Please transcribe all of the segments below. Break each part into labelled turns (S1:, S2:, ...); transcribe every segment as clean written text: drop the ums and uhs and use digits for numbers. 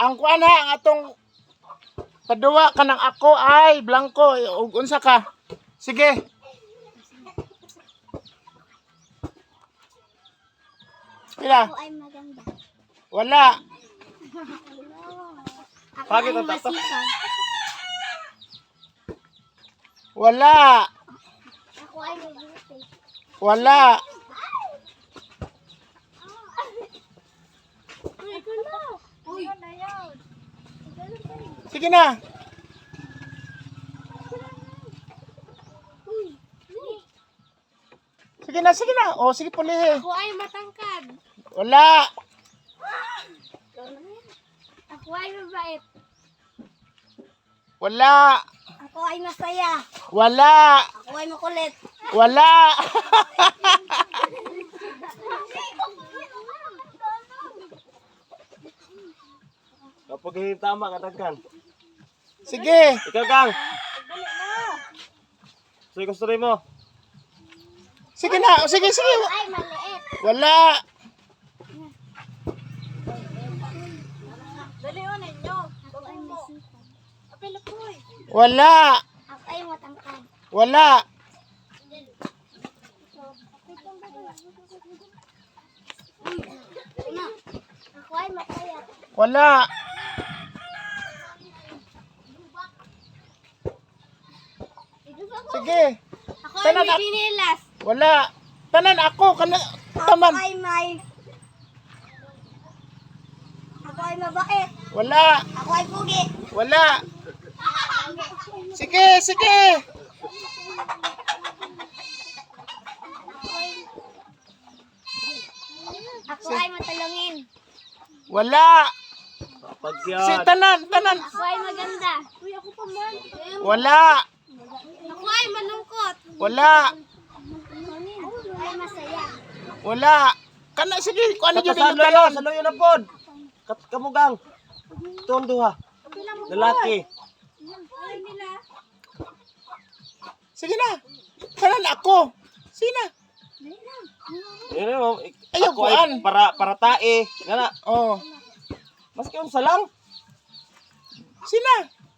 S1: Ang kuan ha, ang atong paduwa kanang ako ay blanco. Ug unsa ka? Sige. Pila?
S2: Ako ay maganda.
S1: Wala.
S2: Ako
S3: Bakit
S2: ay
S3: ang tato?
S2: masipag.
S1: Wala.
S2: Ako ay mabuti.
S1: Wala.
S2: Uy, ito na. Uy, na yun.
S1: Sige na.
S2: Uy,
S1: Sige na, sige na. O, sige pulihe.
S2: ako ay matangkad.
S1: Wala.
S2: Ako ay mabait.
S1: Wala.
S2: Ako ay masaya.
S1: Wala.
S2: Ako ay makulit.
S1: Wala.
S3: Kapag hindi tama, katagkan.
S1: Sige.
S3: Ikaw, Kang. Sige, gusto rin mo.
S1: Sige na. O, sige, sige.
S2: Ay maliit.
S1: Wala.
S2: Dali o ninyo. Ako ay masipag. Apelo po eh.
S1: Wala.
S2: Ako ay matangkad.
S1: Wala.
S2: Ako ay masaya.
S1: Wala. Sige.
S2: Ako ay
S1: Tanan
S2: may
S1: ako.
S2: dinilas.
S1: Wala. Tanan ako. Kana, taman.
S2: Ako ay may... Ako ay mabait.
S1: Wala.
S2: Ako ay pugi.
S1: Wala. Sige, sige.
S2: Ako ay matalangin.
S1: Wala.
S3: Kapag
S1: Si
S3: yan.
S1: tanan, tanan.
S2: Ako ay maganda. Uy, ako pa man.
S1: Wala.
S2: Ako ay malungkot.
S1: Wala.
S2: Ako ay masaya.
S1: Wala. Kana, sige. Kung ano yun yung
S3: Katasalo
S1: tanan.
S3: salo yun na pod. Kamugang. Tondo ha. Lalaki.
S2: Ay nila.
S1: Sige na. Tanan ako. Sige na.
S3: Yun mo.
S1: Ayaw,
S3: Ako ay
S1: kuan.
S3: para tae. Gana.
S1: Oh.
S3: Maski yung salang.
S1: Sige na.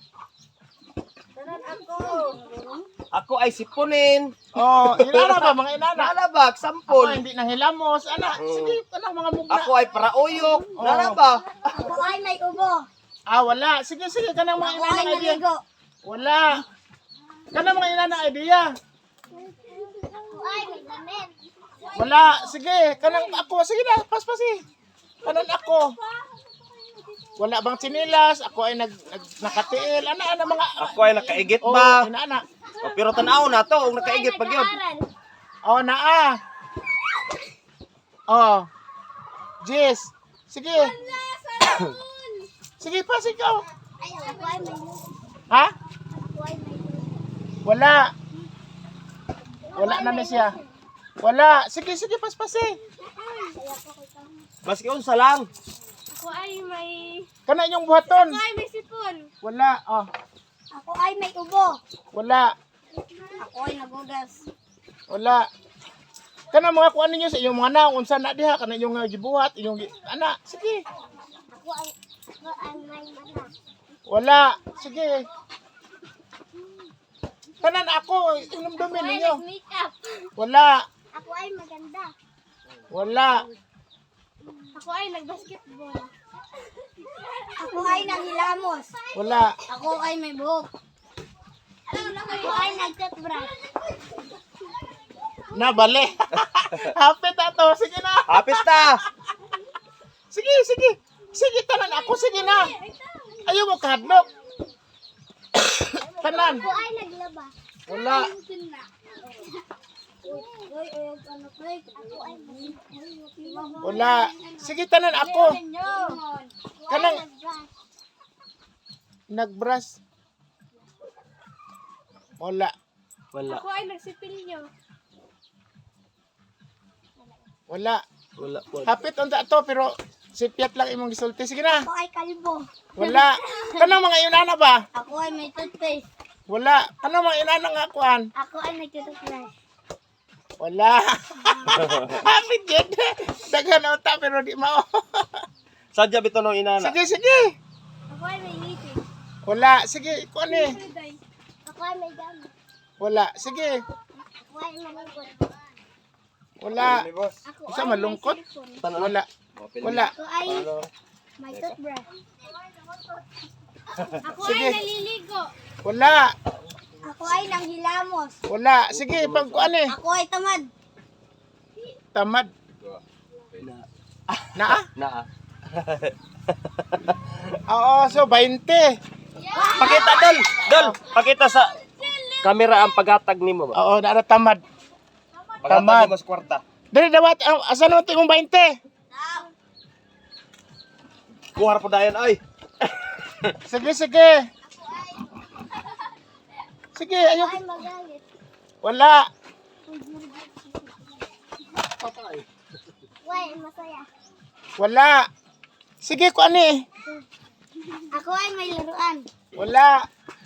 S3: Ako ay sipunin.
S1: Oh, inana ba mga inana?
S3: Nalabak,
S1: Ako
S3: sampol.
S1: hindi nahilamos. Ana, sige. Ano mga mugna?
S3: Ako ay para uyok. Nalaba.
S2: Ako ay may ubo.
S1: Ah, wala. Sige, sige. Kanang mga
S2: Ako
S1: inana
S2: ay
S1: idea.
S2: naligo.
S1: Wala. Kanang mga inana idea.
S2: Ako ay may damit.
S1: Wala. Sige. Kanang ako. Sige na. Paspasi. Kanang ako. Wala bang sinilas? Ako ay nakatiil. Ana mga...
S3: Ako ay nakaigit
S1: Oh,
S3: ba?
S1: inana.
S3: O, pero tanaw na to. Kung nakaigit pag yun.
S2: Nag-aaral.
S1: Oh, naa. Oh. Jess. Sige. Sige pa, ikaw.
S2: Ay, ako ay may
S1: Ha?
S2: Ako ay may
S1: Wala. Wala na siya. Wala. Sige, sige, paspasi.
S3: Maski yung salang.
S2: Ako ay may...
S1: Kana yung buhaton.
S2: Ako ay may sipon.
S1: Wala. Oh.
S2: Ako ay may ubo.
S1: Wala.
S2: Ako ay nagugas.
S1: Wala. Kana mga kuan ninyo sa inyong mga naong unsa na diha kana yung gibuhat inyong ana. Sige.
S2: Ako ay may mata.
S1: Wala. Sige. Tanan ako inumdumin
S2: Ako ay
S1: ninyo.
S2: nag-makeup.
S1: Wala.
S2: Ako ay maganda.
S1: Wala.
S2: Ako ay nag-basketball. Ako ay nanghilamos.
S1: Wala.
S2: Ako ay may buhok. Ako ay nag-toothbrush.
S1: Na bali. Hapit ato. Sige na.
S3: Hapit na.
S1: Sige, sige. Sige tanan ako sige na. Ayaw mo kahadlok. Tanan.
S2: Ako ay naglaba.
S1: Wala.
S2: Ako ay
S1: Wala. Sige tanan ako. Kanang nagbrush. Wala.
S3: Wala.
S2: Ako ay nagsipilyo.
S1: Wala.
S3: Wala po.
S1: Hapit unta to pero sipiat lang imong gisulti. Sige na.
S2: Ako ay kalbo.
S1: Wala. Kanang mga inana ba?
S2: Ako ay may toothpaste.
S1: Wala. Kanang mga inana nga kuan?
S2: Ako ay nag-toothbrush.
S1: Wala. Hapit yun. Daghan unta pero di mao.
S3: Sadya bito nung inana.
S1: Sige, sige. Wala. Sige, ikaw ano eh.
S2: Ako ay may gamit.
S1: Wala. Sige.
S2: Ako ay malungkot.
S1: Wala.
S2: Ako
S1: Isa
S2: ay
S1: malungkot?
S2: may cellphone.
S3: Tanong
S1: Wala. Wala.
S2: Ako ay may toothbrush. Ako
S1: Sige.
S2: ay naliligo.
S1: Wala.
S2: Ako ay nanghilamos.
S1: Wala. Sige, pag ano eh.
S2: Ako ay tamad.
S1: Tamad.
S3: Na.
S1: Na?
S3: Na.
S1: Oo, so 20.
S3: Pakita dol. Dol, pakita sa kamera ang paghatag nimo ba?
S1: Oo, na tamad.
S3: Paghatag
S1: Tamad.
S3: nimo sa kwarta.
S1: Dali dawat, asan mo tingong 20?
S3: Kuha po dayon ay.
S1: Sige, sige. Sige,
S2: Ako
S1: ayun.
S2: ay magalit.
S1: Wala.
S2: Why, masaya.
S1: Wala. Sige, ko ano eh.
S2: Ako ay may laruan.
S1: Wala.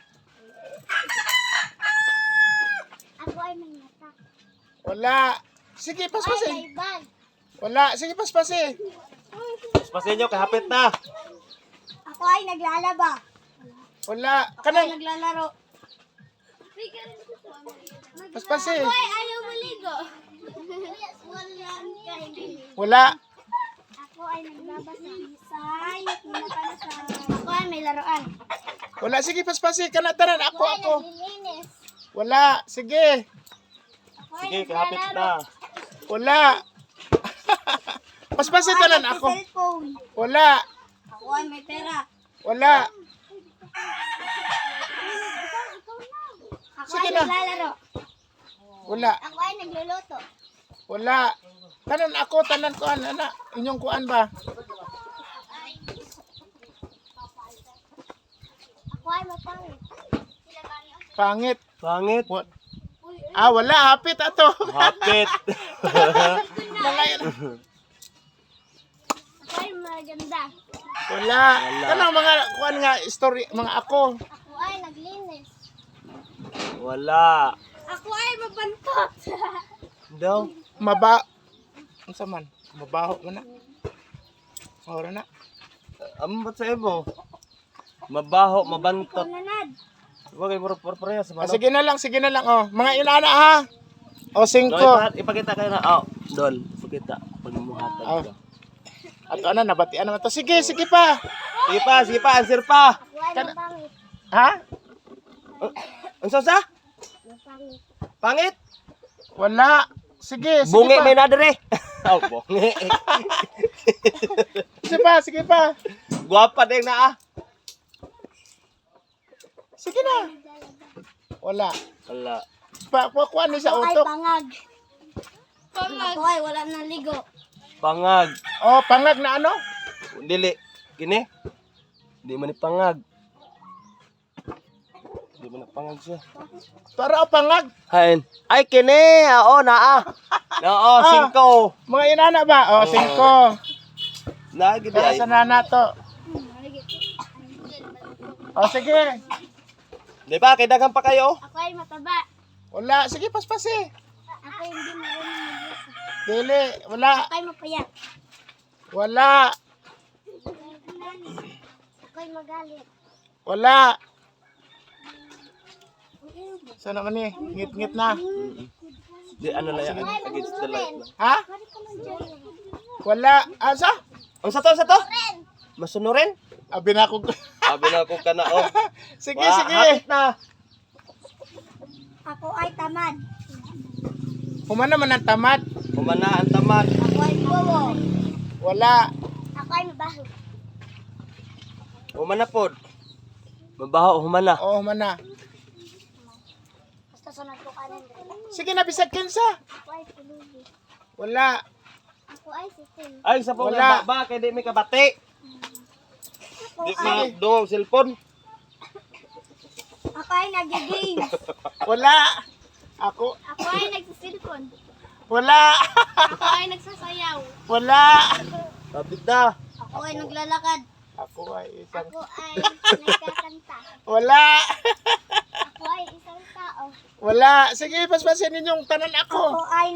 S2: Ako ay may mata.
S1: Wala. Sige,
S2: Ako ay
S1: paspasin.
S2: may bag.
S1: Wala. Sige, paspasin.
S3: Paspasin nyo, kahapit na.
S2: Ako ay naglalaba.
S1: Wala.
S2: Ako ay
S1: Kanang,
S2: naglalaro.
S1: paspasin.
S2: Ako ay ayaw maligo.
S1: Wala.
S2: Ako ay naglabasa. Say, pinapanasay. Ako ay may laruan.
S1: Wala. Sige, paspasin. Kanatanan. Ako,
S2: Ako ay
S1: ako.
S2: naglilinis.
S1: Wala. Sige.
S2: Ako ay
S3: Sige, kahapit
S2: naglalaro.
S3: na.
S1: Wala. Paspasin tanan
S2: Ako
S1: ako.
S2: ay cellphone.
S1: Wala.
S2: Ako ay may pera.
S1: Wala.
S2: Ako
S1: Sige
S2: ay
S1: na.
S2: naglalaro.
S1: Wala.
S2: Ako ay nagluluto.
S1: Wala. Tanan ako. Tanan ko. Ana. Inyong kuan ba?
S2: Ako ay mapangit.
S1: Pangit.
S3: Pangit.
S1: What? Ah, wala. Hapit ato.
S3: Hapit.
S1: Mga yan.
S2: Ako ay maganda.
S1: Wala. Kanang mga kuan nga story. Mga ako.
S2: Ako ay naglinis.
S3: Wala.
S2: Ako ay mabantot.
S3: Daw.
S1: Maba. Unsa man? Mabaho man na. Ora na.
S3: Ambot sa imo. Mabaho, mabantot.
S2: Nanad.
S3: Wag ay murag pareha sa
S1: Ah,
S3: manok.
S1: sige na lang. Sige na lang. Oh. Mga inana ha. O, 5.
S3: No, ipakita kayo na. Oh, dol. Ipakita. Pag muhatag
S1: Oh.
S3: ka.
S1: At ano, nabatian naman to. Sige, sige pa.
S3: Sige pa, sige pa. Answer pa.
S2: Ako ay mapangit.
S1: Ha?
S3: Ang sa?
S2: Mapangit.
S3: Pangit?
S1: Wala. Sige, sige
S3: Bungi
S1: pa.
S3: may nadere. Oh, bungi.
S1: Sige pa, sige pa.
S3: Guwapa din na ah.
S1: Sige na. Wala.
S3: Wala.
S1: Kuan ni sa
S2: Ako ay
S1: utok.
S2: pangag. Ako ay wala nang ligo.
S3: Pangag.
S1: Oh, pangag na ano?
S3: Dili. Kini. Di man ni pangag. Di man na pangag siya.
S1: Para o pangag.
S3: Hain. Ay kini. Oo na ah. Oo, 5.
S1: Mga inana ba? Oh, 5.
S3: Nagi
S1: Para
S3: di
S1: sa nana to. Oh, sige.
S3: Di ba? Kay daghang pa kayo.
S2: Ako ay mataba.
S1: Wala. Sige, paspasi.
S2: Ako ay hindi marunong magbasa.
S1: Dili. Wala.
S2: Ako ay mapayat.
S1: Wala.
S2: Ako ay magalit.
S1: Wala. Sana man eh. Ngit-ngit na.
S3: Di ano lang yan. Against the light lang.
S1: Ha?
S2: Pwede ka man dyan.
S1: Wala. Asa?
S3: Ang sa to, sa to? Masunurin?
S1: Abi na ako.
S3: Sabi na ako ka na oh.
S1: Sige,
S3: Wa,
S1: sige.
S3: hapit na.
S2: Ako ay tamad.
S1: Human naman ang tamad.
S3: Kumana ang tamad.
S2: Ako ay bobo.
S1: Wala.
S2: Ako ay mabaho.
S3: Humana pod. Mabaho, humana.
S1: Oo, human na.
S2: Basta sunod ko kanin.
S1: Sige na, bisag kinsa.
S2: Ako ay pulubi.
S1: Wala.
S2: Ako ay siting.
S3: Ay, sa pong
S1: Wala.
S3: ba, kay di may kabati.
S2: Ako
S3: Di
S2: ay,
S3: ma dungog cellphone.
S2: ako ay nag-game.
S1: Wala. Ako.
S2: Ako ay nagsisilpon.
S1: Wala.
S2: Ako ay nagsasayaw.
S1: Wala.
S3: Kapit na.
S2: Ako ay naglalakad.
S1: Ako ay isang...
S2: Ako ay nagkakanta.
S1: Wala.
S2: Ako ay isang tao.
S1: Wala. Sige, paspasin ninyong tanan
S2: Ako
S1: ako.
S2: ay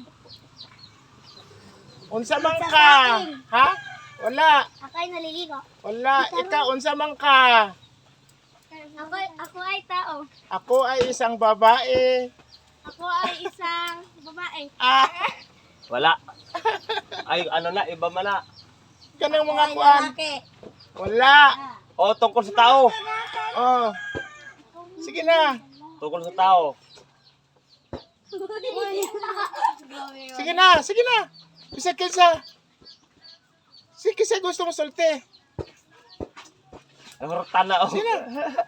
S1: Unsa man ka?
S2: Nagsasaing.
S1: Ha? Wala.
S2: Ako ay naliligo.
S1: Wala. Ikaw, unsa man ka?
S2: Ako ay tao.
S1: Ako ay isang babae.
S2: Ako ay isang babae.
S1: Ah,
S3: Wala. Ay, ano na, iba man na.
S1: kanang mga kuan. Wala.
S3: O, tungkol sa tao.
S1: Oh. Sige na.
S3: Tungkol sa tao.
S1: Sige na, sige na. Bisa kinsa. Sige kinsa gusto mo sulti.
S3: Ang hurtan na, oh.
S1: Sige na.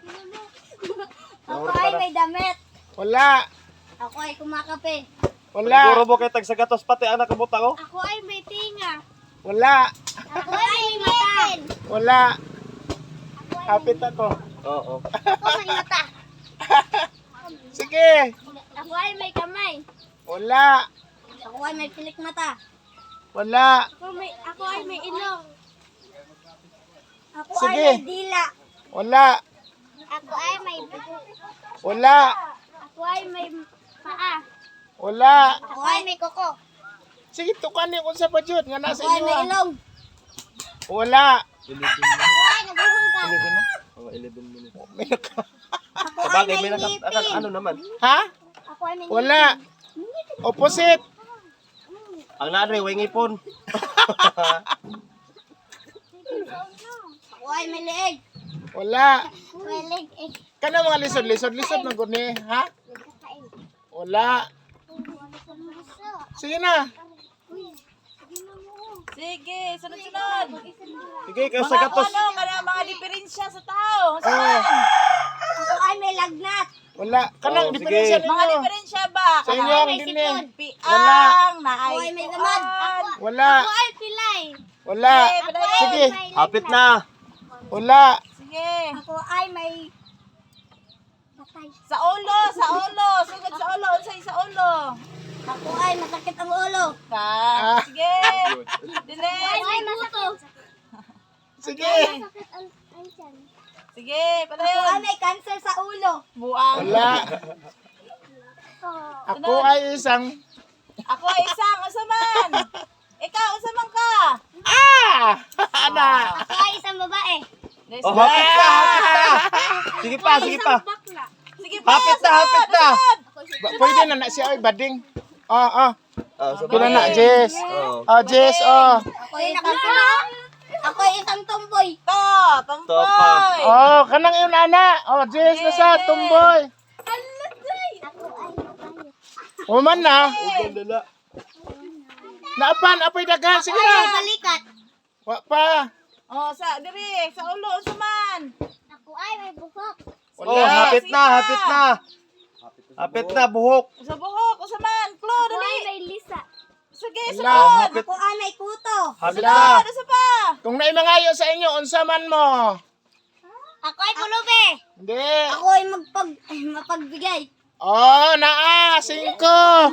S2: Ako ay may damit.
S1: Wala.
S2: Ako ay kumakape.
S1: Wala.
S3: Siguro mo kay tag sa gatos pati anak kabuta ko.
S2: Ako ay may tinga.
S1: Wala.
S2: Ako ay may mata.
S1: Wala. Hapit ako.
S3: Oo.
S2: Ako may mata.
S1: Sige.
S2: Ako ay may kamay.
S1: Wala.
S2: Ako ay may pilik mata.
S1: Wala.
S2: Ako ay may ilong. Ako
S1: Sige.
S2: ay may dila.
S1: Wala.
S2: Ako ay may buhok.
S1: Wala.
S2: Ako ay may paa.
S1: Wala.
S2: Ako ay may kuko.
S1: Sige, tukan niyo kung sa padyot nga nasa
S2: Ako ay
S1: inyo.
S2: may
S1: ah.
S2: ilong.
S1: Wala.
S2: Ako ay naguhugas.
S3: Mga 11 minutes.
S2: Ako ay
S3: Sabagay,
S2: may
S3: may
S2: ngipin.
S3: ano naman.
S1: Ha?
S2: Ako ay may
S1: Wala. Opposite.
S3: Ang nanay, way ngipon.
S2: Ako ay may leeg.
S1: Wala.
S2: May leg eh.
S1: Kana mga lisod na guni, ha? Wala. Sige na.
S4: Sige, sunod-sunod.
S3: Sige, kayo sa gatos.
S4: Mga diferensya sa tao.
S1: Oh,
S2: Ako ay may lagnat.
S1: wala. Kanang
S3: Oh,
S1: diferensya
S3: sige.
S4: Mga
S1: ninyo.
S4: diferensya ba?
S1: Sa inyo ang
S2: may
S1: dini.
S2: sipon.
S4: Piang,
S2: Ako ay may gamad.
S1: Wala.
S2: Ako ay pilay.
S1: Wala. Sige.
S3: Hapit na.
S1: Wala.
S4: Sige.
S2: Ako ay may patay.
S4: Sa ulo. Sugod sa ulo. Unsay sa ulo.
S2: Ako ay masakit ang ulo.
S1: Ah.
S4: Sige. Dili.
S2: Ako ay masakit.
S1: Sige.
S2: Masakit ang tiyan.
S4: Sige,
S2: Ako ay
S4: padayon.
S2: may cancer sa ulo.
S4: Buang.
S1: Wala. Ako ay isang...
S4: Ako ay isang usaman. Ikaw, usaman ka.
S1: Ah! Ana!
S2: Ako ay isang babae.
S3: Oh, hapit na, hapit na. Sige pa, sige pa.
S2: Bakla.
S4: Sige pa.
S3: Hapit na, hapit na.
S1: Pwede na na siya ay bading. Oh.
S3: Oh,
S1: Pila na, Jess.
S3: Oh.
S1: Oh, Jess, oh.
S2: Ako ay Ako ay isang tomboy.
S3: Topa.
S4: Tomboy.
S1: Oh, kanang yun, ana. Oh, Jess na sa tumboy.
S2: Ako ay babae.
S1: Uman na.
S3: Dala.
S1: Naapan, apoy dagan. Sige
S2: Ako ay
S1: na.
S2: balikat.
S1: Wa pa.
S4: Oh, sa diri, sa ulo usaman.
S2: Ako ay may buhok.
S1: Wala.
S3: Oh, hapit na, hapit na. Hapit na, buhok.
S4: Sa buhok usaman. Klo,
S2: Ako
S4: dali.
S2: ay may lisa.
S4: Sige,
S1: Wala.
S4: sunod.
S3: Hapit.
S2: Ako ay may kuto.
S3: Hapit
S1: Wala.
S3: na.
S4: Ano sa pa?
S1: Kung naimangayo sa inyo, unsa man mo.
S2: Ako ay pulubi.
S1: Hindi.
S2: Ako ay mapagbigay.
S1: Oh, naa. 5.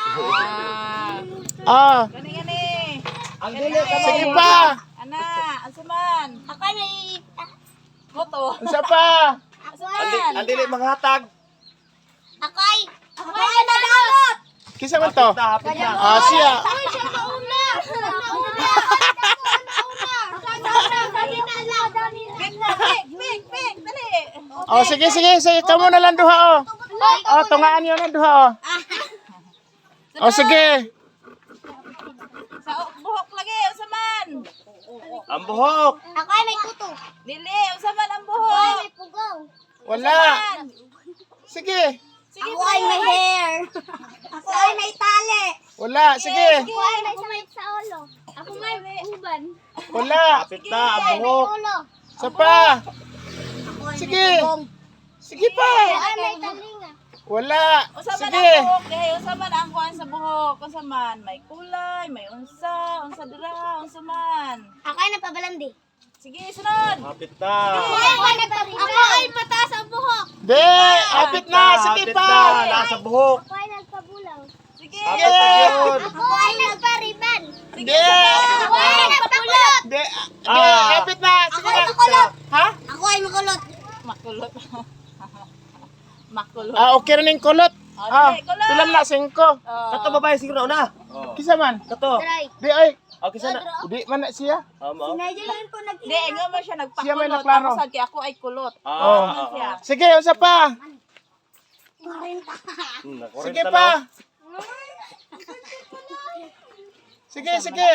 S1: Oh,
S4: Gani.
S3: Ang dili ka
S1: sige pa.
S4: Ana, asaman.
S2: Ako ay may...
S4: Moto.
S1: Unsa pa.
S2: Ako
S3: Ang dili manghatag.
S2: Ako ay nadalot.
S1: Kisa man to.
S3: Hapit na.
S1: Ah, siya.
S2: Ay, siya nauna. Nauna.
S4: Ping, dali.
S1: Oh, sige. Kamu na lang duha, oh. Oh, tungaan niyo na duha, oh. Oh, sige.
S4: Sa buhok lagi, usaman.
S3: Ang buhok.
S2: Ako ay may kuto.
S4: Dili, usaman ang
S2: Ako ay
S4: buhok.
S2: may pugaw.
S1: Wala. Sige.
S4: Sige,
S2: Ako ay may hair. Ako ay may tali.
S1: Wala. Sige.
S2: Ako ay may sakit sa ulo. Ako may uban.
S1: Wala.
S3: Hapit na, ang buhok.
S2: Ulo.
S1: Isa pa.
S2: Ako ay
S1: Sige.
S2: may bubong.
S1: Sige pa.
S2: Ako ay may talinga.
S1: Wala.
S4: Usaman
S1: Sige.
S4: ang buhok, eh. Usaman ang kuhan sa buhok. Usaman, may kulay, may unsa dira, unsaman.
S2: Ako ay napabalandi.
S4: Sige, sunod.
S3: Hapit na.
S2: Ako ay mataas ang buhok.
S1: Di. Hapit na. Sige
S3: Hapit
S1: pa.
S3: na. Nasa buhok.
S2: Ako ay nagpabulaw.
S4: Sige.
S3: Hapit na yun.
S2: Ako ay nagpariban.
S1: Di.
S2: Ako ay nagpakulot.
S1: Di. Di.
S3: Ah.
S1: Hapit na.
S2: Ako
S1: Sige
S2: ay
S1: na.
S2: makulot.
S1: Ha?
S2: Ako ay makulot.
S4: Makulot. Makulot.
S1: Ah, okay na ning kulot.
S4: Ah, dili, kulot.
S1: Tulam na 5.
S4: Oh.
S3: Kato babae siguro na.
S1: Kisa man.
S3: Kato.
S2: Try.
S1: Di ay.
S3: Okay sana.
S1: Di man na siya.
S3: Amo.
S2: Nigel lang po nag
S4: Hindi, nga mo siya
S1: Siya may
S4: nagpakulot.
S1: naklaro.
S4: Ang sagki ako ay kulot.
S3: Ah.
S4: Siya.
S1: Sige, usa pa.
S2: 40.
S1: Sige pa. Sige, sige.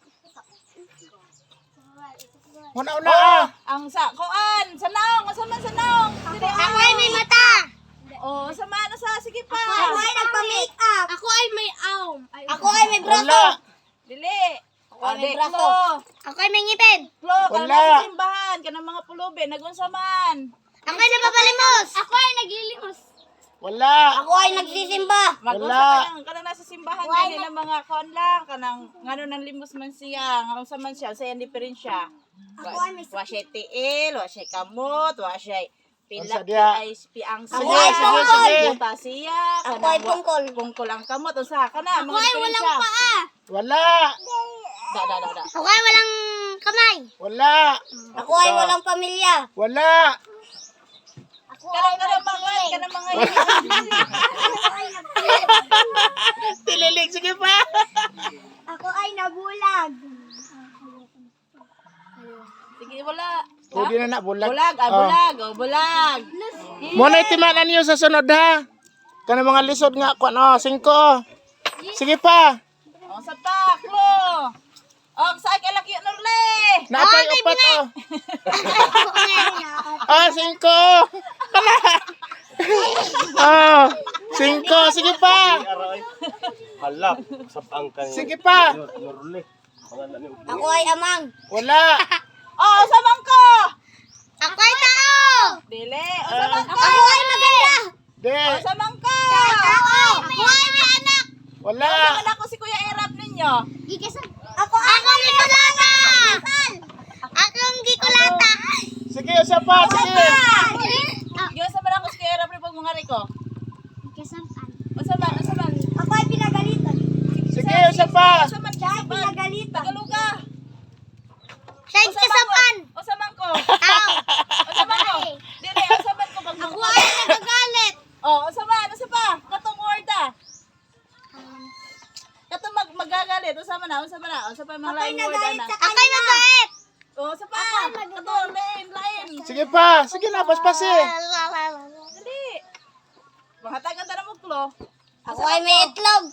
S1: Una-una ah.
S4: Ang sa kuan, sa naong, asa man sa naong. Sige,
S2: Ako ay may mata.
S4: Oh, sa man sa sige pa.
S2: Ako ay nagpa-make up. Ako ay may arm. Ako ay may braso.
S1: Wala.
S4: Dili.
S2: Ako ay may
S4: Ade,
S2: braso.
S4: Klo.
S2: Ako ay may ngipin.
S4: Klo,
S1: Wala.
S4: kana sa simbahan, kana mga pulubi, nagunsa man.
S2: Ako ay napapalimos. Ako ay naglilimos.
S1: Wala.
S2: Ako ay nagsisimba.
S4: Magunsa kanang nasa simbahan gani ng mga kuan lang, kanang ngano nang limos man siya, ngano sa man siya, sa diferensya.
S2: Ako ay may
S4: Wa siya tiil, wa siya kamot, wa siya
S1: Unsa
S4: pila
S1: diya?
S4: ay piang
S1: Sige,
S2: ay
S1: sige,
S2: tungkol.
S1: sige.
S4: Buta siya,
S2: Ako ay tungkol.
S4: Pungkol ang kamot, unsa ka na, mga diferensya.
S1: Wala.
S4: Da.
S2: Ako ay walang kamay.
S1: Wala.
S2: Ako ay walang pamilya.
S1: Wala.
S4: Kanang mga
S1: Tililig, sige pa.
S2: Ako ay nabulag.
S4: Sige, wala.
S1: O, di na na, bulag.
S4: Bulag,
S1: Oh.
S4: bulag, bulag.
S1: Muna itimanan niyo sa sunod ha. Kana mga lisod nga, kwan, 5. Sige pa.
S4: O, sa pa, Klo. O, sa akin laki, Norle.
S1: Napay upat oh. 5. Ah, 5. Sige pa.
S3: Halap sa pangkan.
S1: Sige pa.
S3: Norle. Pangalan ni
S2: Ako ay amang.
S1: Wala.
S4: O, sa mangko.
S2: Ako ay tao.
S4: Dili, o, sa mangko.
S2: Ako ay maganda.
S1: De.
S4: O, sa mangko.
S2: Ako ay may anak.
S1: Wala.
S4: Wala ko si Kuya Erap ninyo.
S2: Ako ang gikulata. Akong gikulata.
S1: Sige, isa pa. Sige.
S4: Yung sa man ako si Kuya Erap rin pag mga riko. O, sa man,
S2: Ako ay pinagalitan.
S1: Sige, isa pa.
S4: O, sa man,
S2: Siya ay pinagalitan.
S4: Tagaluga.
S2: Siya ay kasapan.
S4: O, sa mangko.
S2: Tao.
S4: O, sa mangko. Dili, o, sa man ko pag
S2: Ako ay nagagalit.
S4: O, sa man, o, sa pa. Katong word ah. Katong magagalit. O, sa man na, o, sa man na. O, sa pa mga
S2: Ako ay
S4: lain word
S2: nagalit
S4: na.
S2: sa kanya. Ako ay mabait.
S4: O, sa pa. Katong lain.
S1: Sige pa. Sige na, paspasi.
S4: Dali. Mahatagan ta na mo, Klo.
S2: Ako ay may itlog.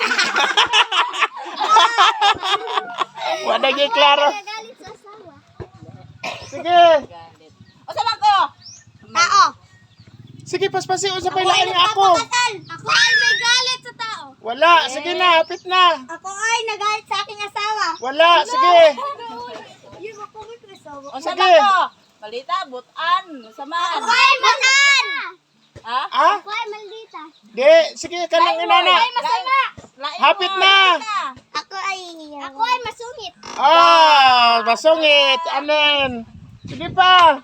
S1: Wala gi klaro.
S2: Nagagalit sa asawa.
S1: Sige.
S4: Galit. O, sa mangko.
S2: Tao.
S1: Sige, paspasi. Usa pa ilain nga ako.
S2: Ako ay may galit sa tao.
S1: Wala. Sige na, hapit na.
S2: Ako ay nagalit sa aking asawa.
S1: Wala. Sige.
S2: Yun ako may asawa.
S4: O, sa
S1: Sige.
S4: mangko. Balita, butan. O, sa man.
S2: Ako ay matan.
S4: Ha?
S1: Ah?
S2: Ako ay maldita.
S1: Di. Sige, kanang inana.
S2: Masama.
S4: Lain
S1: Hapit
S4: word.
S1: na.
S2: Ako ay masungit.
S1: Ah, masungit. Anen. Sige pa.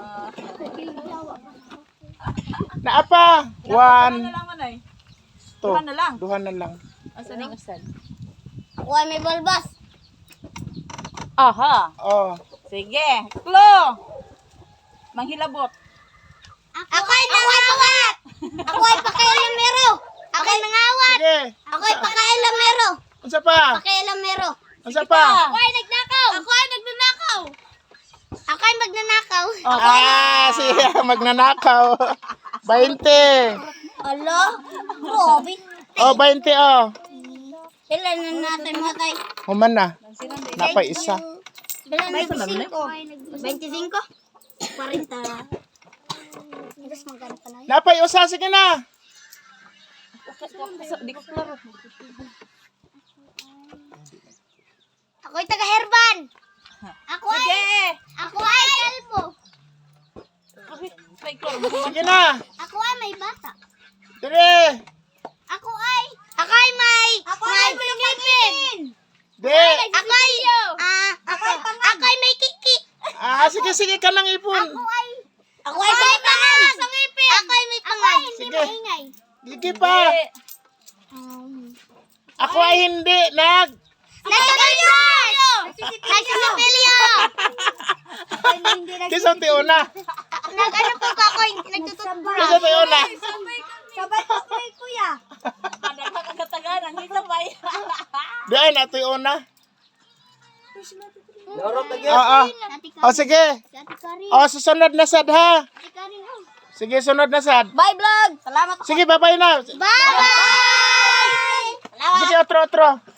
S1: Naapa.
S4: Ano
S1: 1,
S4: na lang man ay?
S1: 2.
S4: Duha na lang.
S1: Duhan na lang.
S4: Asan yung asan?
S2: Ako ay may balbas.
S4: Aha.
S1: Oh.
S4: Sige. Klo. Manghilabot.
S2: Ako ay nangawat. Ako ay pakailamero. Ako ay nangawat.
S1: Sige.
S2: Ako ay pakailamero.
S1: Unsa pa?
S2: Pakailamero.
S1: Unsa pa?
S2: Ako ay nagnakaw. Ako ay nagnanakaw. Ako ay magnanakaw.
S1: Ah, siya magnanakaw. 20.
S2: Alo? Grabe.
S1: Oh, 20 oh.
S2: Ilan na natin matay?
S1: Human na. Napay isa.
S2: Ilan na 25? 25? 40. Tapos magkano pa na?
S1: Napay usa. Sige na.
S4: Di ko klaro.
S2: Ako ay taga-herban. Ako
S4: Sige.
S2: ay kalbo.
S4: May klaro.
S1: Sige na.
S2: Ako ay may bata.
S1: Dire.
S2: Ako ay may ngipin.
S1: Di.
S2: Ako ay may kiki.
S1: Ah, sige, sige ka nang ipon.
S2: Ako ay may pangal. Ako ay may pangal.
S1: Sige. Sige pa. Ako ay hindi.
S2: Nagsisipilyo! Nagsisipilyo!
S1: Kisa una.
S2: Nag-ano po ba ako? Nagtututbrush.
S1: Kisa una.
S2: Sabay po ko kuya.
S4: Kada ka kagatagan. Ang isa pa.
S1: Di ay natoy una.
S3: Lorot na gyud.
S1: Oo.
S2: Ate
S1: O sige.
S2: Ate Karin.
S1: O susunod na sad ha.
S2: Ate Karin. Oh.
S1: Sige, sunod na sad.
S2: Bye vlog. Salamat.
S1: Sige, bye-bye na.
S2: Bye. Salamat.
S1: Sige, otro.